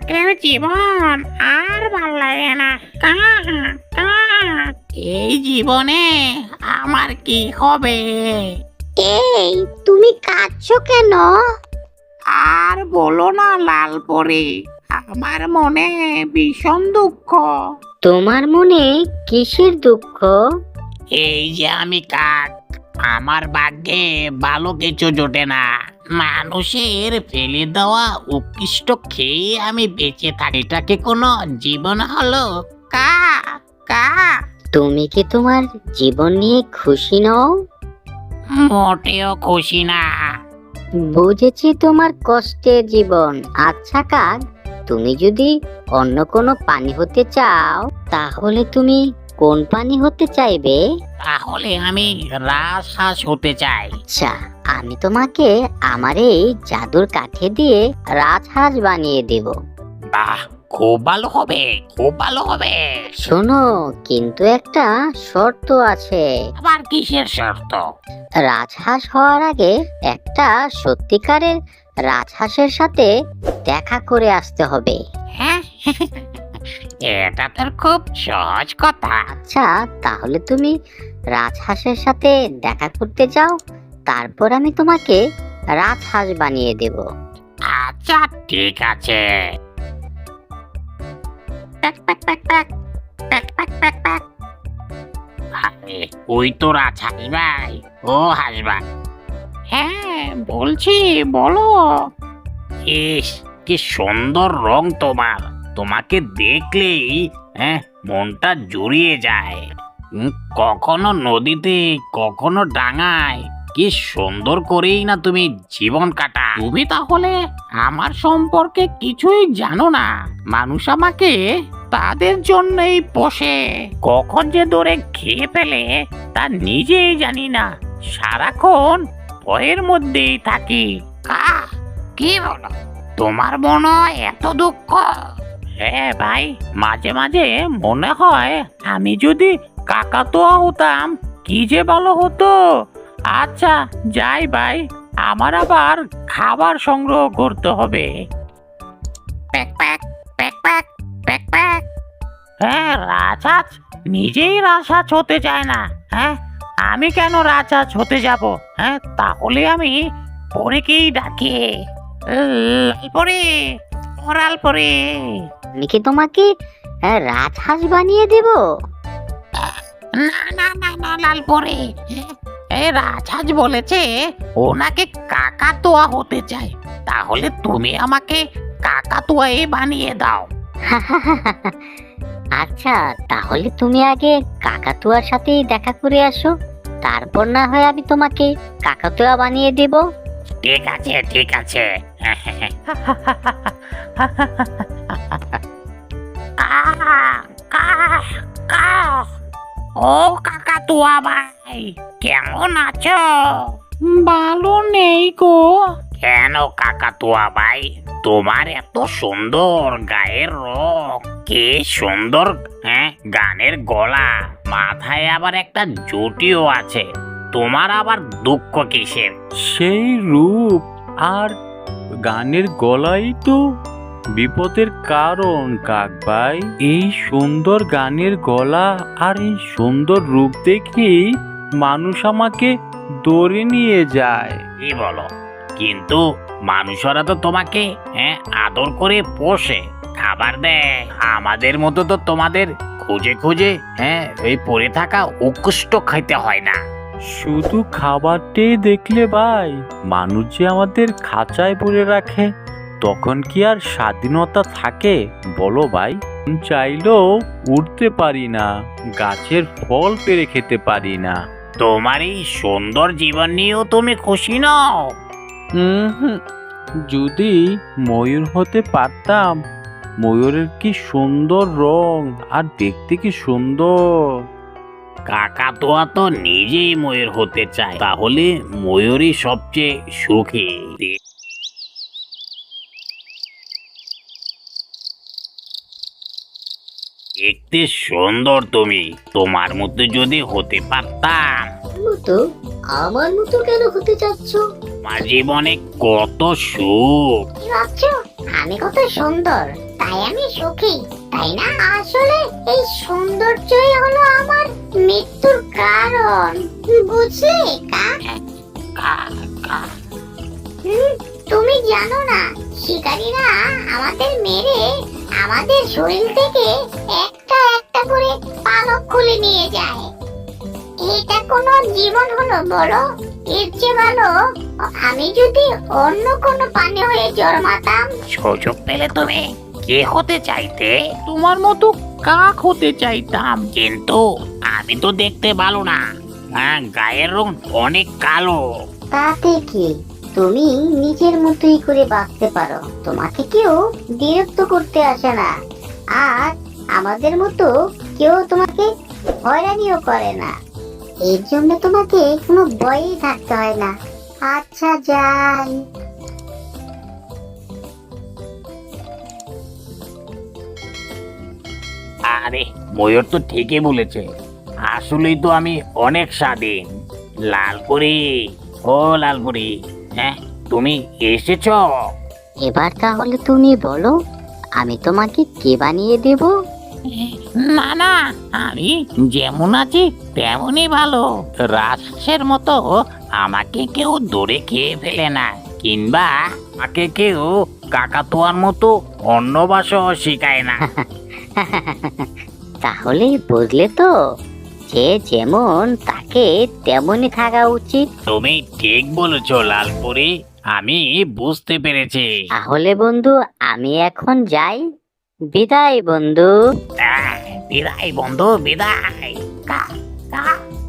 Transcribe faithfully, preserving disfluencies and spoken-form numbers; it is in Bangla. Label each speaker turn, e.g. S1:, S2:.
S1: কাকের জীবন আর ভাল লাগে না। কা কা এই জীবনে আমার কি হবে?
S2: এই তুমি কাঁদছো কেন?
S1: আর বলো না লালপরি, আমার মনে ভীষণ দুঃখ।
S2: তোমার মনে কিসের দুঃখ?
S1: এই যে আমি কাক, আমার ভাগ্যে ভালো কিছু জোটে না। মানুষের ফেলে দেওয়া উৎকৃষ্ট খেয়ে আমি বেঁচে থাকি। এটাকে কোনো জীবন হলো? কা কা
S2: তুমি কি তোমার জীবন নিয়ে খুশি নও?
S1: মোটেও খুশি না।
S2: বুঝেছি তোমার কষ্টের জীবন। আচ্ছা কাক, তুমি যদি অন্য কোনো পানি হতে চাও তাহলে তুমি কোন পানি হতে চাইবে?
S1: তাহলে আমি রাজহাঁস হতে চাই।
S2: আচ্ছা, আমি তোমাকে আমার এই জাদুর কাঠি দিয়ে রাজহাঁস বানিয়ে দেব।
S1: বাহ, খুব ভালো হবে, খুব ভালো হবে।
S2: শোনো, কিন্তু একটা শর্ত আছে।
S1: আবার কিসের শর্ত?
S2: রাজহাঁস হওয়ার আগে একটা সত্যিকারের রাজহাঁসের সাথে দেখা করে আসতে হবে।
S1: হ্যাঁ, এটা তোর খুব সহজ কথা।
S2: আচ্ছা, তাহলে তুমি রাজহাঁসের সাথে দেখা করতে যাও, তারপর আমি তোমাকে রাজহাঁস বানিয়ে দেব।
S1: আচ্ছা ঠিক আছে। প্যাক প্যাক প্যাক প্যাক প্যাক প্যাক প্যাক প্যাক। আরে, ওই তো রাজহাঁস ভাই। ও হাঁস ভাই। হ্যাঁ বলছি, বলো। ইস, কি সুন্দর রং তোমার। তোমাকে দেখলেই হ্যাঁ মনটা জুড়িয়ে যায়। উম, কখনো নদীতে, কখনো ডাঙায়, কি সুন্দর করেই না তুমি জীবন কাটা। তুমি তাহলে আমার সম্পর্কে কিছুই জানো না। মানুষ আমাকে তাদের জন্যই পোষে, কখন যে দৌড়ে খেয়ে ফেলে তা নিজেই জানি না। সারাক্ষণ ভয়ের মধ্যেই থাকি। কা কি বলো, তোমার মনে এত দুঃখ? হ্যাঁ ভাই, মাঝে মাঝে মনে হয় আমি যদি কাকাতুয়া হতাম কি যে ভালো হতো। আচ্ছা যাই ভাই, আমার আবার খাবার সংগ্রহ করতে হবে। প্যাক প্যাক প্যাক প্যাক প্যাক প্যাক। হ্যাঁ, রাজহাঁস নিজেই রাজহাঁস হতে চায় না। হ্যাঁ, আমি কেন রাজহাঁস হতে যাব? হ্যাঁ, তাহলে আমি পরেকেই ডাকি। লালপরি, ও লালপরি।
S2: আমি কি তোমাকে আহ, রাজহাঁস বানিয়ে দেব?
S1: না না না না লালপরি, এই রাজহাঁস বলেছে ওনাকে কাকাতুয়া হতে চায়। তাহলে তুমি আমাকে কাকাতুয়াই বানিয়ে দাও।
S2: আচ্ছা, তাহলে তুমি আগে কাকাতুয়ার সাথেই দেখা করে আসো, তারপর না হয় আমি তোমাকে কাকাতুয়া বানিয়ে দেব।
S1: ঠিক আছে ঠিক আছে। কা, কা, কা। ও কাকাতুয়া ভাই, কেমন আছো? ভালো নেই গো। কেন কাকাতুয়া ভাই, তোমার এত সুন্দর গায়ের রং, কি সুন্দর হ্যাঁ গানের গলা, মাথায় আবার একটা জুটিও আছে। তোমার আবার দুঃখ কিসের?
S3: সেই রূপ আর গানের গলাই তো বিপদের কারণ কাক ভাই। এই সুন্দর গানের গলা আর এই সুন্দর রূপ দেখেই মানুষ আমাকে দৌড়ে নিয়ে যায়।
S1: কি বলো? কিন্তু মানুষরা তো তোমাকে হ্যাঁ আদর করে পোষে, খাবার দেয়। আমাদের মতো তো তোমাদের খুঁজে খুঁজে হ্যাঁ এই পড়ে থাকা উৎকৃষ্ট খাইতে হয় না।
S3: শুধু খাবারটাই দেখলে ভাই, মানুষ যে আমাদের খাঁচায় পড়ে রাখে, তখন কি আর স্বাধীনতা থাকে বলো ভাই? চাইলেও উঠতে পারি না, গাছের ফল পেড়ে খেতে পারি না।
S1: তোমার এই সুন্দর জীবন নিয়েও তুমি খুশি নও?
S3: হুম, যদি ময়ূর হতে পারতাম। ময়ূরের কি সুন্দর রং, আর দেখতে কি সুন্দর।
S1: কাকাতুয়া তো নিজেই ময়ূর হতে চায়, তাহলে ময়ূরই সবচেয়ে সুখী। দেখতে সুন্দর তুমি, তোমার মতো যদি হতে পারতাম।
S2: মতো? আমার মতো কেন হতে চাচ্ছ?
S1: আমার জীবনে কত সুখ।
S2: কি ভাবছ আমি কত সুন্দর
S4: তাই আমি সুখী, তাই না? আসলে এই সৌন্দর্যই হলো আমার মৃত্যুর কারণ, বুঝলে কাক?
S1: কা কা
S4: হুম, তুমি জানো না, শিকারীরা আমাদের মেরে আমাদের শরীর থেকে একটা একটা করে পালক খুলে নিয়ে যায়। এটা কোনো জীবন হলো বলো? এর চেয়ে ভালো আমি যদি অন্য কোনো প্রাণী হয়ে জন্মাতাম।
S1: সুযোগ পেলে তুমি কে হতে চাইতে? তোমার মতো কাক হতে চাইতাম, কিন্তু আমি তো দেখতে ভালো না। হ্যাঁ, গায়ের রং অনেক কালো।
S4: তাতে কি, তুমি নিজের মতোই করে বাঁচতে পারো, তোমাকে কেউ বিরক্ত করতে আসে না, আর আমাদের মতো কেউ তোমাকে হয়রানিও করে না। এর জন্য তোমাকে কোনো ভয়ই থাকতে হয় না। আচ্ছা যাই।
S1: আরে, ময়ূর তো ঠিকই বলেছে। আসলেই তো আমি অনেক স্বাধীন। লালপুরি, ও লালপুরি, হ্যাঁ তুমি এসেছো?
S2: এবার তাহলে তুমি বলো, আমি তোমাকে কে বানিয়ে দেব?
S1: না না, আমি যেমন আছি তেমনই ভালো। রাজহাঁসের মতো আমাকে কেউ দৌড়ে খেয়ে ফেলে না, কিংবা আমাকে কেউ কাকাতুয়ার মতো অন্য ভাষাও শেখায় না।
S2: তাহলে বুঝলে তো, যে যেমন তাকে তেমনই থাকা উচিত।
S1: তুমি ঠিক বলেছো লালপুরি, আমি বুঝতে পেরেছি।
S2: তাহলে বন্ধু, আমি এখন যাই। বিদায় বন্ধু।
S1: আহ, বিদায় বন্ধু, বিদায়। কা কা